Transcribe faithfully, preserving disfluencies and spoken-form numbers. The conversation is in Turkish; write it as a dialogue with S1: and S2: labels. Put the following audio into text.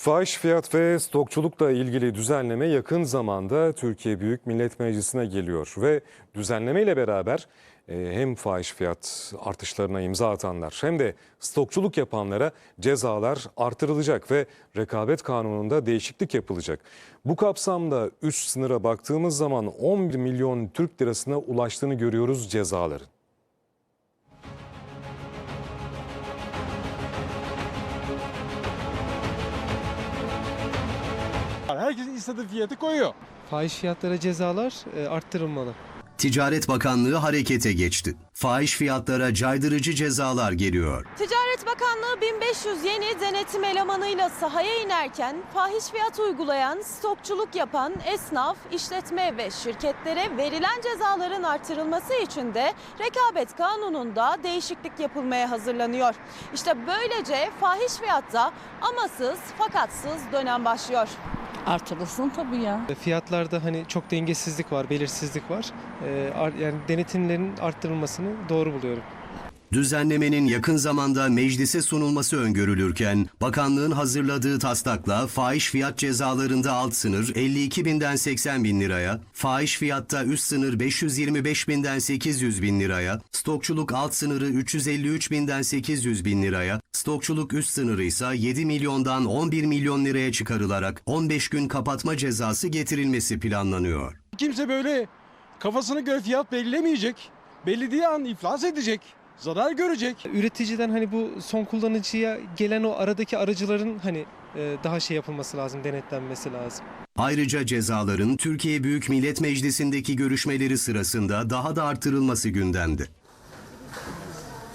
S1: Fahiş fiyat ve stokçulukla ilgili düzenleme yakın zamanda Türkiye Büyük Millet Meclisi'ne geliyor ve düzenleme ile beraber e, hem fahiş fiyat artışlarına imza atanlar hem de stokçuluk yapanlara cezalar artırılacak ve rekabet kanununda değişiklik yapılacak. Bu kapsamda üst sınıra baktığımız zaman on bir milyon Türk lirasına ulaştığını görüyoruz cezaların.
S2: Herkesin istediği fiyatı koyuyor.
S3: Fahiş fiyatlara cezalar e, arttırılmalı.
S4: Ticaret Bakanlığı harekete geçti. Fahiş fiyatlara caydırıcı cezalar geliyor.
S5: Ticaret Bakanlığı bin beş yüz yeni denetim elemanıyla sahaya inerken fahiş fiyat uygulayan, stokçuluk yapan esnaf, işletme ve şirketlere verilen cezaların artırılması için de rekabet kanununda değişiklik yapılmaya hazırlanıyor. İşte böylece fahiş fiyatta amasız fakatsız dönem başlıyor.
S6: Artırılsın tabii ya.
S3: Fiyatlarda hani çok dengesizlik var, belirsizlik var. E, ar, yani denetimlerin arttırılmasını doğru buluyorum.
S4: Düzenlemenin yakın zamanda meclise sunulması öngörülürken, bakanlığın hazırladığı taslakla fahiş fiyat cezalarında alt sınır elli iki binden seksen bin liraya, fahiş fiyatta üst sınır beş yüz yirmi beş binden sekiz yüz bin liraya, stokçuluk alt sınırı üç yüz elli üç binden sekiz yüz bin liraya, stokçuluk üst sınırı ise yedi milyondan on bir milyon liraya çıkarılarak on beş gün kapatma cezası getirilmesi planlanıyor.
S2: Kimse böyle kafasına göre fiyat belirlemeyecek. Belirlediği an iflas edecek. Zarar görecek.
S3: Üreticiden hani bu son kullanıcıya gelen o aradaki aracıların hani e, daha şey yapılması lazım, denetlenmesi lazım.
S4: Ayrıca cezaların Türkiye Büyük Millet Meclisi'ndeki görüşmeleri sırasında daha da artırılması gündemde.